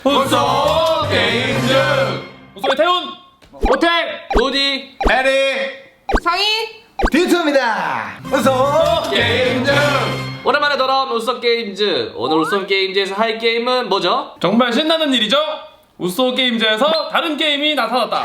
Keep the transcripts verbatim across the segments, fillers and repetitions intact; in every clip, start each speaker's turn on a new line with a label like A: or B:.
A: 우소 게임즈 우소의 태훈
B: 호텔 도디
A: 해리
C: 상희
A: 디투입니다. 우소 게임즈.
B: 오랜만에 돌아온 우소 게임즈. 오늘 우소 게임즈에서 할 게임은 뭐죠?
D: 정말 신나는 일이죠? 우소 게임즈에서 다른 게임이 나타났다.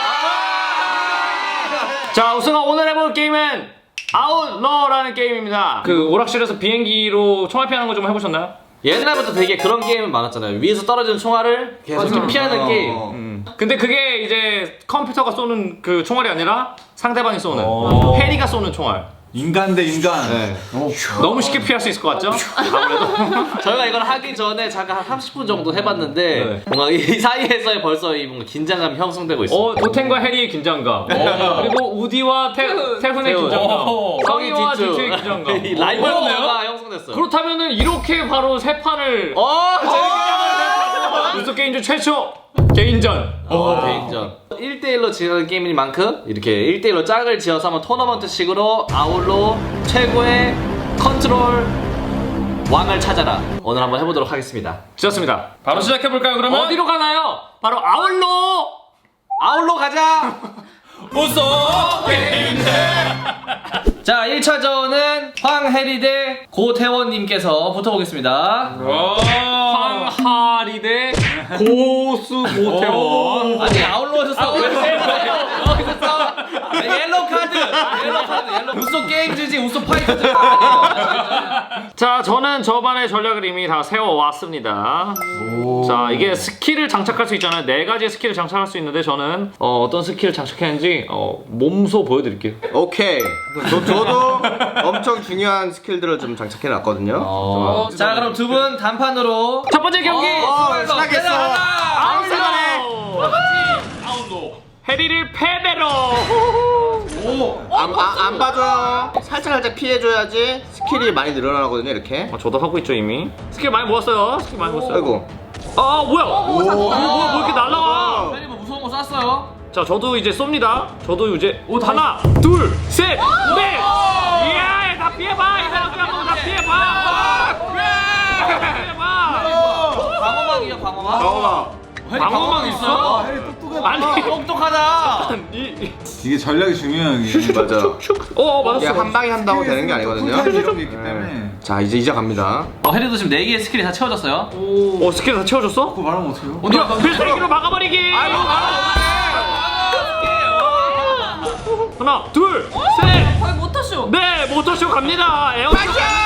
B: 자, 우소가 오늘 해볼 게임은 아웃러라는 게임입니다.
D: 그 오락실에서 비행기로 총알 피하는 거 좀 해보셨나요?
B: 옛날부터 되게 그런 게임이 많았잖아요. 위에서 떨어지는 총알을 계속 이렇게 피하는
A: 어.
B: 게임.
D: 음. 근데 그게 이제 컴퓨터가 쏘는 그 총알이 아니라 상대방이 쏘는
A: 오.
D: 해리가 쏘는 총알.
A: 인간 대 인간.
B: 네.
D: 너무 쉽게 피할 수 있을 것 같죠? 아무래도.
B: 저희가 이걸 하기 전에 잠깐 한 삼십 분 정도 해봤는데
D: 네.
B: 뭔가 이 사이에서 벌써 이 뭔가 긴장감이 형성되고 있어요.
D: 어, 도텐과 해리의 긴장감. 그리고 우디와 태, 태훈의
B: 태훈.
D: 긴장감.
B: 오.
D: 성희와
B: 성희, 디투.
D: 디투의 긴장감.
B: 이 라이벌가
D: 오.
B: 형성됐어요.
D: 그렇다면은 이렇게 바로 세 판을
B: 어, 재밌게
D: 우소 게임즈 최초 개인전.
B: 어, 개인전. 일 대일로 진행하는 게임인 만큼 이렇게 일 대일로 짝을 지어서 한번 토너먼트식으로 아울로 최고의 컨트롤 왕을 찾아라. 오늘 한번 해보도록 하겠습니다.
D: 좋습니다. 바로 시작해볼까요, 그러면?
B: 어디로 가나요? 바로 아울로! 아울로 가자!
D: 우소 게임즈!
B: 자, 일 차전은 황혜리 대 고태원님께서 붙어보겠습니다.
D: 황하리 대 고수 고태원.
B: 아니, 아울로에서 싸우고 있어요. 여기서 싸워. 옐로우 카드! 옐로우 카드, 옐로우. 우소 게임즈지, 우소 파이터즈.
D: 자, 저는 저반의 전략을 이미 다 세워왔습니다. 자, 이게 스킬을 장착할 수 있잖아요. 네 가지의 스킬을 장착할 수 있는데 저는 어, 어떤 스킬을 장착했는지 어, 몸소 보여드릴게요.
E: 오케이. 저, 저도 엄청 중요한 스킬들을 좀 장착해 놨거든요.
B: 어. 자, 그럼 두 분 단판으로
D: 첫 번째 경기!
E: 어, 시작했어.
D: 아웃로! 아웃로! 해리를 패배로!
E: 안, 아, 안 봐줘요. 살짝 살짝 피해줘야지 스킬이 많이 늘어나거든요, 이렇게.
D: 어, 저도 하고 있죠, 이미. 스킬 많이 모았어요. 스킬 많이 모았어요.
E: 아이고.
D: 아, 뭐야? 오, 뭐야, 뭐 이렇게 날라가?
B: 혜리 뭐 무서운 거 쐈어요?
D: 자, 저도 이제 쏩니다. 저도 이제 오, 하나, 둘, 셋, 넷. 이야, 다 피해봐. 이 사람들아, 다 피해봐. 피해봐.
B: 방어막이요, 방어막.
E: 방어막.
D: 방어막 있어? 아니,
B: 똑똑하다.
D: 이,
A: 이게 전략이 중요한 게.
E: 맞아.
D: 어,
E: 이게
D: 맞았어.
E: 한 방에 한다고 되는 게 아니거든요.
A: 이런 게 있기 때문에.
E: 자, 이제 이제 갑니다.
B: 어, 혜리도 지금 네 개의 스킬이 다 채워졌어요.
D: 어, 스킬 다 채워줬어?
A: 그거 말하면 어떡해요?
D: 야, 필살기로 막아버리기. 하나, 둘, 셋.
C: 거의 모터쇼.
D: 네, 모터쇼 갑니다. 에어쇼.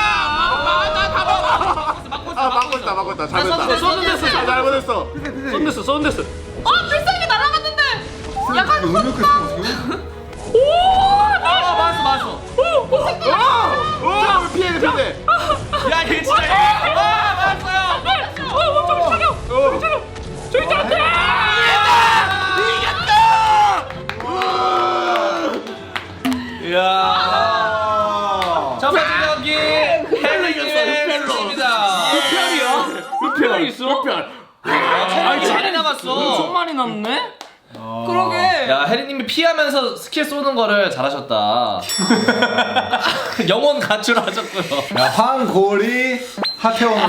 E: 아, 막고 있다, 막고 있다. 잘했다.
D: 쏜데스,
E: 잘못했어.
D: 쏜데스, 쏜데스.
C: 어 필살기 날아갔는데. 약간
A: 능력이 있으면 어떡해요?
B: 아, 맞았어, 맞았어.
E: 오, 피해, 피해.
B: 야, 이게 진짜. 아, 맞았어요.
D: 어, 저기 차려. 저기 차려. 저기 차려.
B: 이야. 첫 번째 경기 혜리님의 승리입니다.
D: 루피알이야? 루피알 있어? 루피알.
B: 체력이 많이 남았어.
D: 엄청 많이 남네?
C: 그러게.
B: 야, 혜리님이 피하면서 스킬 쏘는 거를 잘하셨다. 영혼 가출하셨고요.
A: 야, 황고리 하태원으로.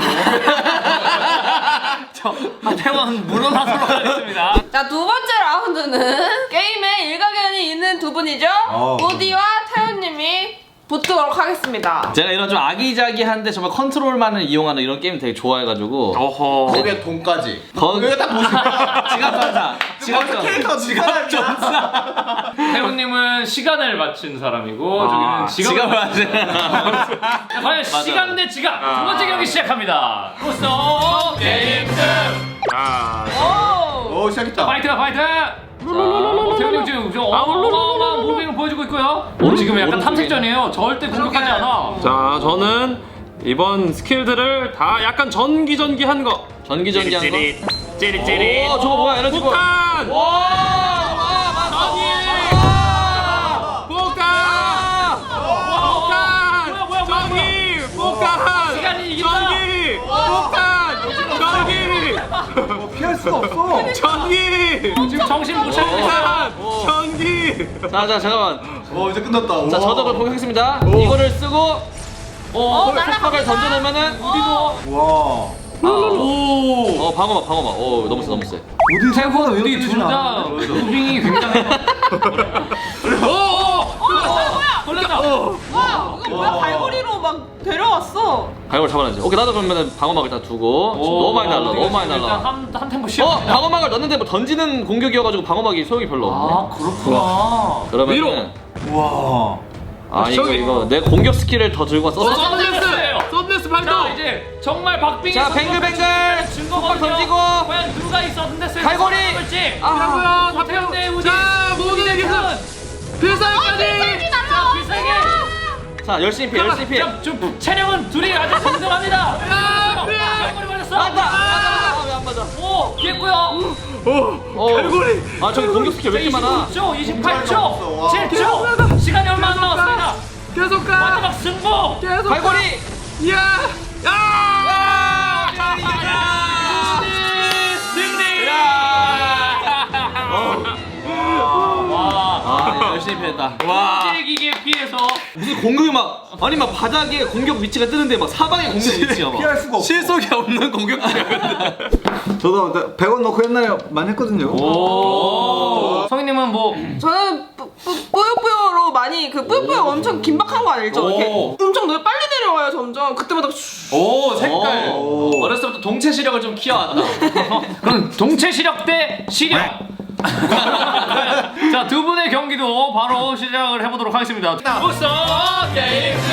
D: 하태원 물러나도록 하겠습니다.
C: 자, 두 번째 라운드는 게임에 일가견이 있는 두 분이죠.
A: 어.
C: 우디와 태훈님이 붙도록 하겠습니다.
B: 제가 이런 좀 아기자기한데 정말 컨트롤만을 이용하는 이런 게임 되게 좋아해가지고
D: 어허.
E: 거기에 돈까지.
B: 거기 딱 보시면 지갑 전사, 지갑 전사,
E: 캐릭터
B: 지갑 전사.
D: 태훈님은 시간을 맞춘 사람이고
B: 아,
D: 저기는 지갑을
B: 지갑을 맞은.
D: 과연 시간 대 지갑 두 번째 경기 시작합니다. 우소 게임즈. 자,
C: 오.
E: 오, 시작했다.
D: 파이트다 파이트. 자, 태훈님 지금 좀 어마어마한 무빙을 보여주고 있고요. 어, 지금 약간 탐색전이에요. 절대 공격하지 않아. 자, 저는 이번 스킬들을 다 약간 전기전기한 거.
B: 전기전기한 거.
D: 찌릿찌릿.
B: 오, 저거 뭐야, 에너지 거.
D: 폭탄.
B: 와, 와, 맞아.
D: 폭탄! 폭탄! 뭐야, 뭐야, 전기! 폭탄! 시간이 이긴다! 전기! 폭탄! 전기!
A: 뭐 피할 수가 없어.
D: 전기! 지금 정신 못 차리는 사람! 전기!
B: 자, 자, 잠깐만.
A: 어, 이제 끝났다.
B: 자, 저도 그걸 공격하겠습니다. 이거를 쓰고, 어,
C: 어,
B: 폭발을
C: 날아갑니다.
B: 던져놓으면은 우리도
A: 와.
D: 오.
B: 어 방어막 방어막. 어 너무 세 너무 세.
A: 우디 생각보다 왜
D: 우리
A: 이렇게
D: 둘 다 무빙이 굉장해요. 오오. 걸렸다.
C: 와 이거 뭐야 갈고리로 막 데려왔어.
B: 갈고 잡아놔야지. 오케이 나도 그러면 방어막 일단 두고. 너무 많이 날라 너무 많이 날라.
D: 한한 템포
B: 어
D: 쉬어.
B: 방어막을 넣는데 뭐 던지는 공격이어가지고 방어막이 소용이 별로 없네.
D: 아 그렇구나.
B: 그러면
D: 위로.
A: 와.
B: 아 이거
D: 저기.
B: 이거 내 공격 스킬을 더 들고 왔어.
D: 썬데스예요. 썬데스 발동. 자 이제 정말 박빙의
B: 자 뱅글뱅글
D: 증거거든요.
B: 던지고.
D: 과연 누가 이 썬데스를
B: 갈고리.
D: 지
B: 아.
D: 박병대 우지. 자 모두 대기선. 필살기까지. 자 필살기.
B: 자 열심히 피해 열심히 피해.
D: 자, 좀 체력은 둘이 아주 동등합니다. 야 피해. 갈고리 맞았어.
B: 맞다 맞다 왜안 맞아.
D: 오 피했고요.
B: 어. 갈고리. 아 저기 공격 스킬 왜 이렇게 많아?
D: 이십구 초, 이십팔 초, 칠 초. 시간이 얼마 안 남았습니다. 계속 가. 마지막 승부. 계속.
B: 갈고리.
D: 야! 야! 승리!
B: 아 열심히 피했다.
D: 와! 기계 피해서
B: 무슨 공격이 막 아니 막 바닥에 공격 위치가 뜨는데 막 사방에 공격 위치야 막.
A: 피할 수가 없어.
B: 실속이 없는 공격이야.
A: 저도 백 원 넣고 옛날에 많이 했거든요.
D: 오. 성희님은 뭐
C: 저는 뿌- 뿌- 뿌요뿌요로 많이 그 뿌요뿌요 엄청 긴박한 거 알죠? 이렇게
D: 오.
C: 엄청 너 빨리 내려와요 점점. 그때마다 슈-
D: 오 색깔.
A: 오.
B: 어렸을 때부터 동체 시력을 좀 키워왔다.
D: 그럼 동체 시력 대 시력. 자, 두 분의 경기도 바로 시작을 해보도록 하겠습니다. 우선 게임즈.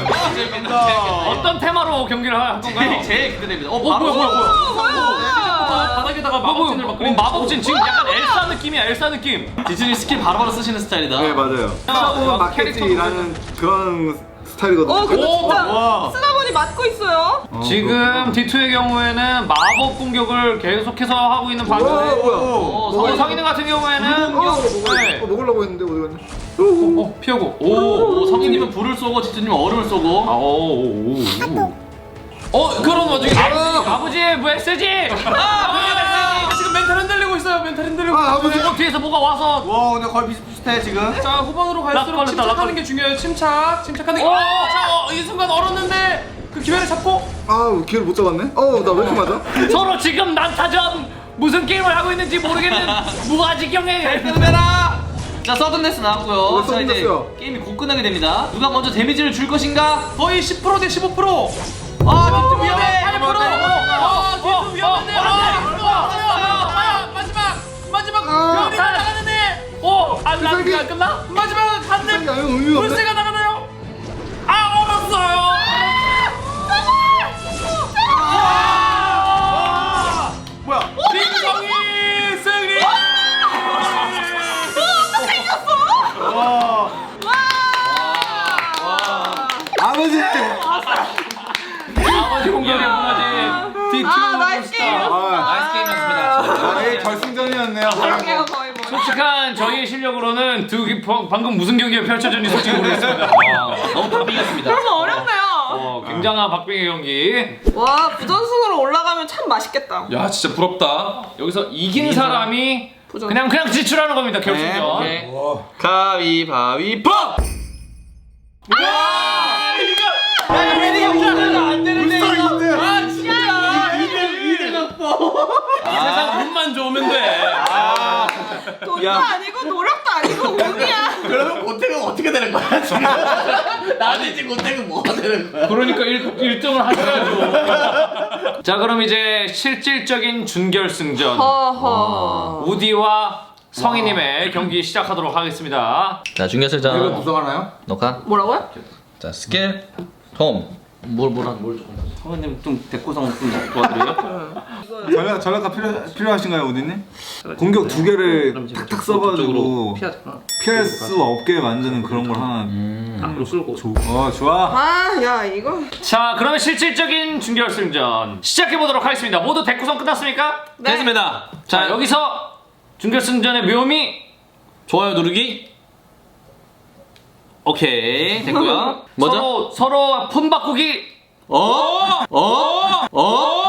D: 어떤 테마로 경기를 할 건가요?
B: 제일 기대됩니다. 어
D: 어, 뭐야,
B: 바로
D: 뭐야, 뭐야.
C: 뭐야?
B: 바닥에다가
D: 마법진을 막 그린 마법진 지금 약간 엘사 느낌이야, 엘사 느낌.
B: 디즈니 스킬 바로바로 쓰시는 스타일이다.
A: 네 맞아요. 찾아보면 맞겠지라는 그런 스타일이거든요.
C: 어 근데
D: 오,
C: 진짜
A: 와.
C: 쓰다 보니 맞고 있어요.
A: 어,
D: 지금 디투의 경우에는 마법 공격을 계속해서 하고 있는
A: 뭐야
D: 반면에
A: 뭐야.
B: 어,
D: 어,
A: 어,
D: 성인들 같은 경우에는
A: 어,
D: 네.
A: 어, 먹으려고 했는데 어디 갔냐?
D: 어, 어, 피하고 오,
B: 오, 성인님은 불을 쏘고 지투님은 얼음을
D: 아,
B: 쏘고.
D: 오, 오, 오. 어, 그런 와중에 아버지, 아버지의 메시지. 아버지의 메시지. 지금 멘탈 흔들리고 있어요. 멘탈 흔들리고.
A: 아, 아버지.
D: 어, 뒤에서 뭐가 와서.
A: 와 근데 거의 비슷비슷해 지금.
F: 자 후반으로 갈수록
D: 락걸렸다,
F: 침착하는
D: 락걸렸다.
F: 게 중요해요. 침착, 침착하는 게.
D: 오!
F: 어, 자, 어, 이 순간 얼었는데 그 기회를 잡고.
A: 아 기회를 못 잡았네. 어나 왜 이렇게 맞아?
D: 서로 지금 난타전 무슨 게임을 하고 있는지 모르겠는 무아지경에.
B: 끝내라. 자 서든데스 나왔고요.
A: 어,
B: 자 이제
A: 서든데스요.
B: 게임이 곧 끝나게 됩니다. 누가 먼저 데미지를 줄 것인가?
F: 거의 십 퍼센트 대 십오 퍼센트.
B: 아 디투 위험해.
F: 팔 퍼센트. 아, 뒤에서 위험한데. 아, 마지막, 마지막 별이 나가는데.
D: 오, 안나가 끝나?
F: 마지막 한 대.
A: 아유 의미가 없네.
F: 불새가 나가나요? 아, 얼었어요.
A: 뭐야?
F: 민성이 승리.
A: 와. 아버지.
D: 아버지 공격에 무너진 디투.
C: 아 나이스 게임.
A: 아,
B: 나이스 게임이었습니다.
A: 아, 이게 결승전이었네요.
C: 이게요 거의 뭐.
D: 솔직한 저희의 실력으로는 두 기- 방- 방금 무슨 경기가 펼쳐졌는지 솔직히 모르겠습니다.
B: 너무 박빙이었습니다.
C: 그러면 어렵네요.
D: 어, 굉장한 박빙의 경기.
C: 와 부전승으로 올라가면 참 맛있겠다.
F: 야, 진짜 부럽다.
D: 여기서 이긴 사람이
C: 부전.
D: 그냥 그냥 지출하는 겁니다. 결승전.
B: 오케이. 가위바위보.
F: 세상 운만 좋으면 돼.
C: 돈도 아니고 노력도 아니고 운이야.
E: 그러면 고택은 어떻게 되는 거야 지금? 나는 지금 고택은 뭐가 되는 거야?
D: 그러니까 일 등을 하셔야죠. 자, 그럼 이제 실질적인 준결승전
C: 허허.
D: 우디와 성희님의 경기 시작하도록 하겠습니다.
B: 자
A: 이거
B: 중결승전
A: 구성하나요?
B: 녹화.
C: 뭐라고요?
B: 자 스킬 톰. 뭘 뭐라 뭘 좀. 성현님 좀 대꾸성 좀 도와드려요?
A: 전략 전략가 필요 필요하신가요, 오디님? 공격 두 개를 탁탁 써가지고 피할 수 없게 만드는 그런 걸 하나.
B: 앞으로 끌고.
A: 어 좋아.
C: 아 야 이거.
D: 자, 그러면 실질적인 준결승전 시작해 보도록 하겠습니다. 모두 대구성 끝났습니까?
C: 네.
B: 됐습니다.
D: 자,
B: 자
D: 여기서 준결승전의 묘미.
B: 좋아요 누르기. 오케이 됐고요. 뭐죠?
D: 서로 서로 폰 바꾸기.
B: 어? 어? 어?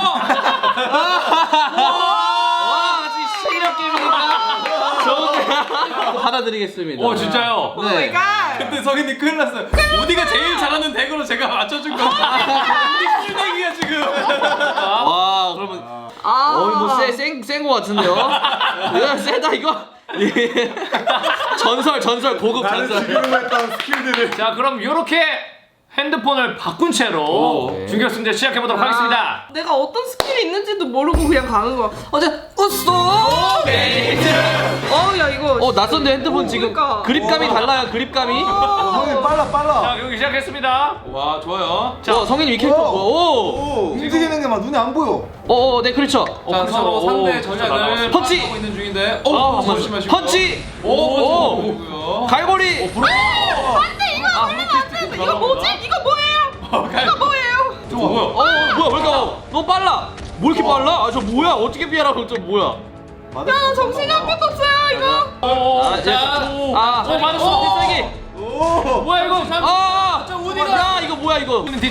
B: 와 아직 실력 게임이니까 좋은데 받아드리겠습니다.
D: 오, 진짜요?
B: 네.
C: 오마이갓.
F: 근데 성인님 큰일 났어요. 우디가 제일 잘하는 덱으로 제가 맞춰준 거. 우디 꿀덱이야 지금.
B: 와 그러면
C: 아.
B: 어이 뭐센센거 같은데요? 이거 세다 이거. 예. 전설 전설 고급
A: 나는
B: 전설.
A: 지금 했던 스킬들을.
D: 자 그럼 요렇게 핸드폰을 바꾼 채로
F: 오.
D: 준결승전 시작해 보도록 하겠습니다.
C: 내가 어떤 스킬이 있는지도 모르고 그냥 가는 거야. 어제 웃어. 어야 이거.
B: 어 낯선데 핸드폰 지금
C: 그러니까.
B: 그립감이 달라요 그립감이.
A: 어, 성인 빨라 빨라.
D: 자 경기 시작했습니다.
F: 와 좋아요.
B: 자 성인님 이 캐릭터 뭐야? 오.
A: 오, 움직이는 게 막 눈에 안 보여.
B: 어어 네 그렇죠.
F: 자
D: 그렇죠.
F: 서로
D: 오,
F: 상대
D: 진짜
F: 전략을
D: 날아갔어.
B: 펀치!
F: 파악하고 있는 중인데.
B: 어,
F: 오
B: 잠깐만.
F: 조심하시고.
B: 펀치.
F: 오,
B: 오.
F: 좋고요.
B: 갈고리.
C: 안돼 이거
B: 아,
C: 그러면 안돼. 이거 뭐지? 이거 뭐예요? 이거 뭐예요?
F: 좋아. 뭐야?
B: 어 뭐야 왜 이렇게 너무 빨라? 뭐 이렇게 빨라? 아 저 뭐야 어떻게 피하라고 저 뭐야?
A: 맞아.
C: 야 정신이 한 개도 없어요 이거.
D: 오,
B: 아,
D: 자,
B: 오. 아,
D: 오, 맞았어.
B: 필살기.
A: 오.
D: 뭐야 이거?
B: 아,
F: 자, 우디가-
B: 야 이거 뭐야 이거?
D: 뒤쪽.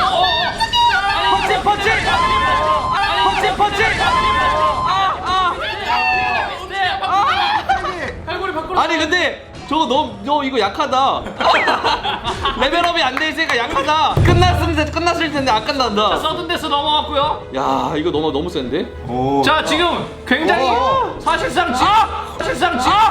B: 펀치 펀치. 펀치 펀치. 아
F: 갈고리 밖으로.
B: 아. 아니 근데 저거 너무 너 이거 약하다. 레벨업이 안 돼 있으니까 약하다. 끝났을 텐데 끝났을 텐데 안
D: 자,
B: 끝난다.
D: 서든데스 넘어갔고요.
B: 야 이거 너무 너무 센데?
A: 오.
D: 자 지금 굉장히
A: 오.
D: 사실상 지 사실상 지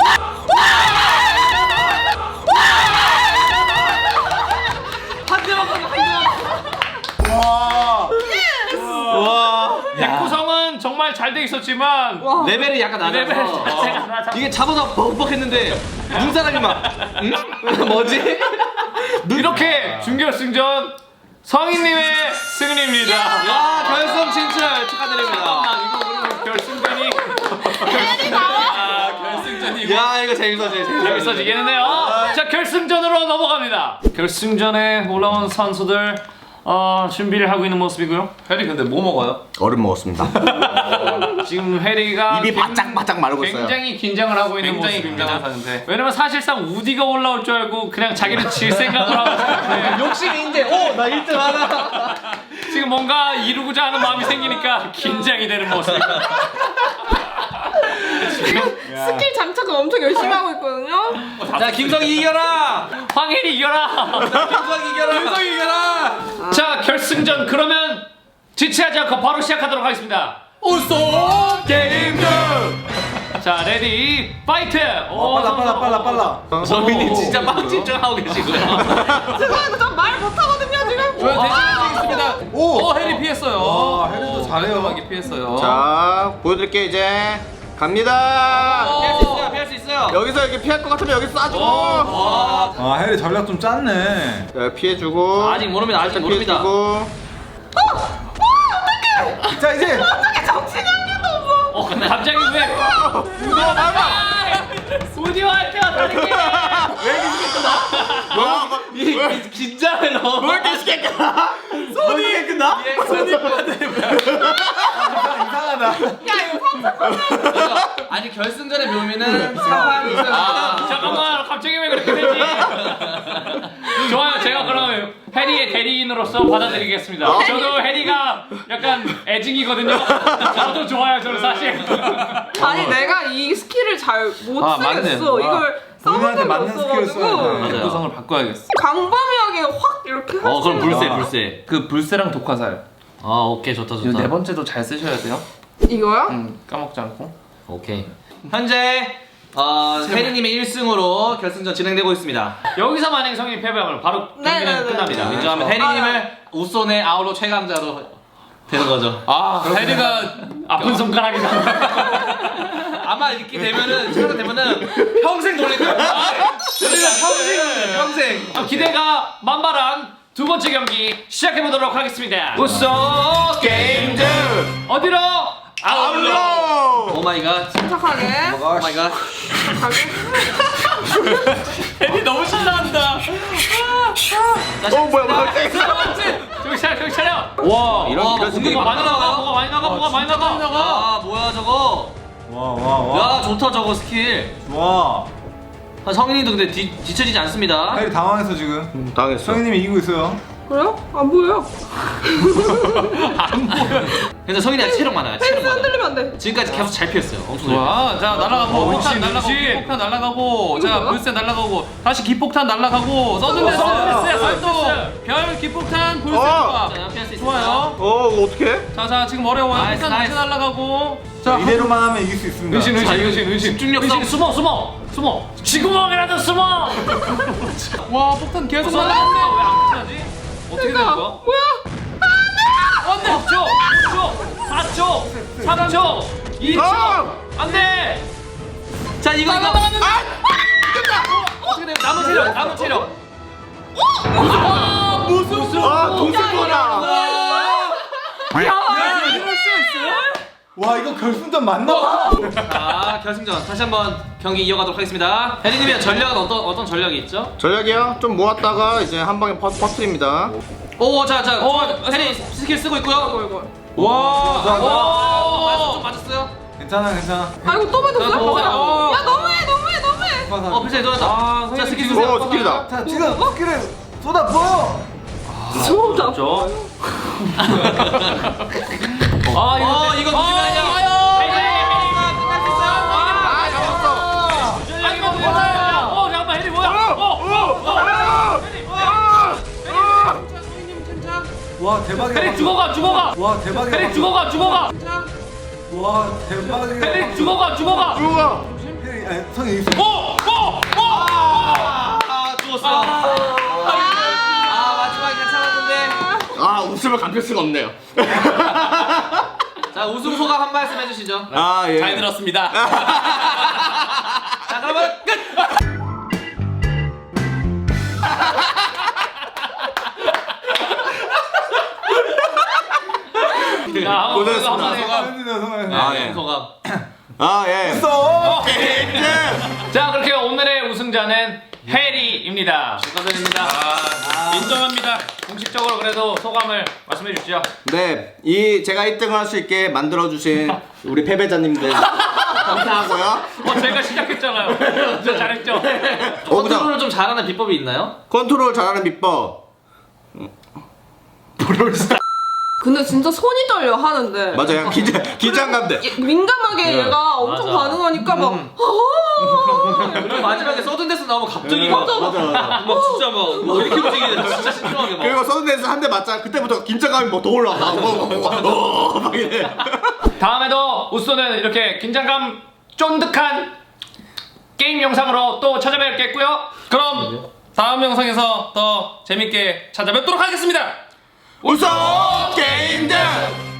B: 한 대만 가면 한 대만.
A: 와.
B: 와.
D: 백구성은 정말 잘 돼 있었지만
C: 와.
B: 레벨이 약간
D: 레벨
B: 낮아서
D: 자체가 낮아.
B: 이게 잡아서 벅벅했는데 눈사람이 막 응? 뭐지?
D: 이렇게 준결승전 성인님의 승리입니다.
B: 야 결승 진출 축하드립니다.
D: 아, 이거 그러면 결승전이
F: 아 결승전이고.
B: 야 이거 재밌어지 재밌어.
D: 재밌어지겠는데요. 자 결승전으로 넘어갑니다. 결승전에 올라온 선수들 어, 준비를 하고 있는 모습이고요.
F: 해리 근데 뭐 먹어요?
E: 얼음 먹었습니다.
D: 지금 해리가
E: 입이
D: 굉-
E: 바짝바짝 마르고 있어요.
D: 굉장히 긴장을 하고 있는
F: 굉장히
D: 모습입니다.
F: 긴장한 상태.
D: 왜냐면 사실상 우디가 올라올 줄 알고 그냥 자기는 질 생각을 하고 있는데
B: 욕심이 이제 오나 일 등 하나.
D: 지금 뭔가 이루고자 하는 마음이 생기니까 긴장이 되는 모습입니다.
C: 스킬 장착을 엄청 열심히 하고 있거든요.
B: 자 김성희 이겨라.
D: 황혜리 이겨라.
B: 김성희 이겨라. 김성희 이겨라.
D: 자 결승전 그러면 지체하지 않고 바로 시작하도록 하겠습니다.
F: 우소 게임즈.
D: 자 레디 파이트. 오,
A: 빨라 빨라 빨라 빨라.
B: 성민이 진짜 막 집중하고 계시고요.
C: 죄송해요 저말 못하거든요 지금.
F: 저 대신 드리겠습니다.
A: 오.
F: 오 해리 피했어요.
A: 와, 해리도 잘해요.
F: 깔끔하게 피했어요.
E: 자, 보여드릴게요 이제. 갑니다.
B: 피할 수 있어요. 피할 수 있어요.
E: 여기서 이렇게 피할 것 같으면 여기 쏴주고.
B: 와.
A: 아 해리 전략 좀 짰네.
E: 자, 피해주고.
B: 아직 모릅니다. 아직 모릅니다.
E: 피해주고.
A: 자 이제.
C: 어떻게 정신이 한 개도 없어.
D: 어 근데 갑자기 왜? 우디와 닮아. 우디와 할 때가 다르게.
B: 이, 이 긴장을 너무. 뭘 이렇게 시켰구나.
A: 손이 끝나? 이상하다.
C: 야 이거 상처.
B: 아니 결승전에 묘미는 상황이 있어요.
D: 아, 잠깐만 갑자기 왜 그렇게 되지? 좋아요. 제가 그럼 해리의 대리인으로서 받아들이겠습니다. 저도 해리가 약간 애증이거든요. 저도 좋아요. 저는 사실.
C: 아니 내가 이 스킬을 잘 못
F: 아, 맞네.
C: 쓰겠어. 이걸 써본
A: 본인한테
C: 적이
A: 맞는 스킬을 써야
C: 없어가지고
A: 돼.
B: 맞아요.
F: 구성을 바꿔야겠어.
C: 광범위하게 확 이렇게 할
B: 어
C: 수
B: 그럼
C: 있는
B: 불새
A: 아.
B: 불새.
F: 그 불새랑 독화살.
B: 아 오케이 좋다
F: 이거
B: 좋다.
F: 네 번째도 잘 쓰셔야 돼요.
C: 이거요?
F: 음 까먹지 않고.
B: 오케이. 현재 어, 혜리님의 일 승으로 결승전 진행되고 있습니다.
D: 여기서 만약 성인이 패배하면 바로
C: 네,
D: 경기는
C: 네, 네.
D: 끝납니다.
B: 네. 인정하면 혜리님을 우손의 아울로 최강자로 되는 거죠.
F: 아 해리가
D: 아픈 손가락이다.
B: 아마 이렇게 되면은 최강 되면은 평생 돌릴 거예요. 우리가 평생 돌려요, 평생.
D: 아, 기대가 만발한 두 번째 경기 시작해 보도록 하겠습니다. 우소 게임즈 어디로? 아울러.
B: 오 마이 갓.
C: 침착하게.
B: 오 마이 갓.
D: 해리 너무 신나한다.
E: 어 뭐야 뭐야.
D: 저기 차려, 저기 차려. 와,
B: 이런
D: 와,
B: 이런
D: 뭐가 많이 나가, 뭐가 많이 나가, 뭐가 많이 나가.
B: 아 뭐야 저거.
A: 와 와 와.
B: 야 좋다 저거 스킬.
A: 와.
B: 아, 성인이도 근데 뒤, 뒤처지지 않습니다.
A: 해리 당황했어 지금.
E: 음, 당했어.
A: 성희님이 이기고 있어요.
C: 그래요? 안 보여요.
B: 근데 성인이 체력 많아요. 체력
C: 펜스
B: 많아.
C: 흔들리면 안 돼.
B: 지금까지 계속 잘 피했어요. 엄청 잘
F: 좋아. 자 날아가고
D: 어,
F: 폭탄
D: 은신,
F: 날아가고
D: 은신.
F: 기폭탄 날아가고 자
C: 뭐야?
F: 불새 날아가고 다시 기폭탄 날아가고 서든데스
D: 서든데스,
F: 살도
D: 서든데스.
F: 별 기폭탄 불새
E: 어.
F: 조각.
B: 자, 피할 수 있습니다.
F: 좋아요.
E: 어 이거 어떡해?
F: 자자 지금 어려워요.
B: 나이스,
F: 폭탄 다시
B: 나이스.
F: 날아가고 자
A: 이대로만 하면 이길 수 있습니다.
D: 은신 은신
B: 자, 이거
D: 은신 은신
B: 집중력
D: 은신
B: 싸움.
D: 숨어 숨어 숨어 쥐구멍이라도 숨어.
F: 와 폭탄 계속
D: 숨어.
F: 날아가는데
D: 왜안 끝나지? 어떻게 되는
C: 펜스가
D: 거야?
C: 뭐야?
D: 안돼. 오 초, 오 초, 사 초, 삼 초, 이 초.
E: 아!
D: 안돼.
B: 자 이거 이거
D: 어떻게 돼? 남은 체력, 남은 체력.
F: 아 무슨
E: 아 동생거라.
A: 와 이거 결승전 맞나?
B: 자 결승전 다시 한번 경기 이어가도록 하겠습니다. 혜리님의 전략은 어떤 어떤 전략이 있죠?
E: 전략이요? 좀 모았다가 이제 한 방에 퍼, 퍼트립니다.
B: 오자자 혜리 스킬 쓰고 있고요.
C: 이거.
F: 와.
B: 오 좀 맞았어요.
A: 괜찮아 괜찮아.
C: 아이고 또 맞았어요?
F: 자, 또
C: 뭐야?
F: 맞아요.
C: 야 너무해 너무해 너무해.
B: 어 필살기 들어왔다.
F: 아,
B: 자 스킬
F: 선생님
B: 쓰세요.
E: 오 스킬이다.
A: 자 지금 스킬을 쏟아부어.
C: 수업 다.
D: 죠 아
B: 어
D: 이거
B: 이거
F: 아,
B: 누구냐? 끝날 수 있어요.
E: 아 잡았어.
D: 아이고 뭐야? 어 잠깐만 혜리 뭐야? 어,
A: 와 대박이야.
D: 혜리 죽어가 죽어가.
A: 와 대박이야.
D: 혜리 죽어가 죽어가.
A: 와 대박이야.
D: 혜리 죽어가 죽어가.
E: 누가?
A: 혜리 아니 성이 있어.
B: 아 죽었어. 아 마지막에 괜찮았는데.
E: 아 웃음을 감출 수가 없네요.
B: 자 우승 소감 한 말씀 해주시죠.
E: 아 예.
F: 잘 들었습니다.
B: 자 그러면 끝.
D: 자,
E: 고생했습니다.
D: 한번 해.
E: 아,
B: 네,
E: 예.
B: 소감.
E: 아 예.
A: 써.
D: 자 그렇게 오늘의 우승자는 해리입니다.
B: 축하드립니다.
F: 인정합니다.
D: 공식적으로 그래도 소감을 말씀해 주시죠.
E: 네, 이 제가 일 등을 할 수 있게 만들어 주신 우리 패배자님들 감사하고요.
D: 어 제가 시작했잖아요. 진짜 잘했죠.
E: 어, 그죠?
B: 컨트롤을 좀 잘하는 비법이 있나요?
E: 컨트롤 잘하는 비법.
C: 근데 진짜 손이 떨려 하는데.
E: 맞아요. 긴장 긴장감 돼.
C: 얘- 민감하게 얘가 엄청
D: 맞아.
C: 반응하니까 막 아,
B: 그리고 마지막에 서든데스 나오면 갑자기 막,
E: 맞아 맞아.
B: 막 진짜 막, 막 이렇게 움직이는 진짜 신중하게 막.
E: 그리고 서든데스 한 대 맞자 그때부터 긴장감이 뭐 더 올라가. 막 이래.
D: 다음에도 우쏘는 이렇게 긴장감 쫀득한 게임 영상으로 또 찾아뵙겠고요.
F: 그럼 다음 영상에서 더 재밌게 찾아뵙도록 하겠습니다.
E: 우선 게임들.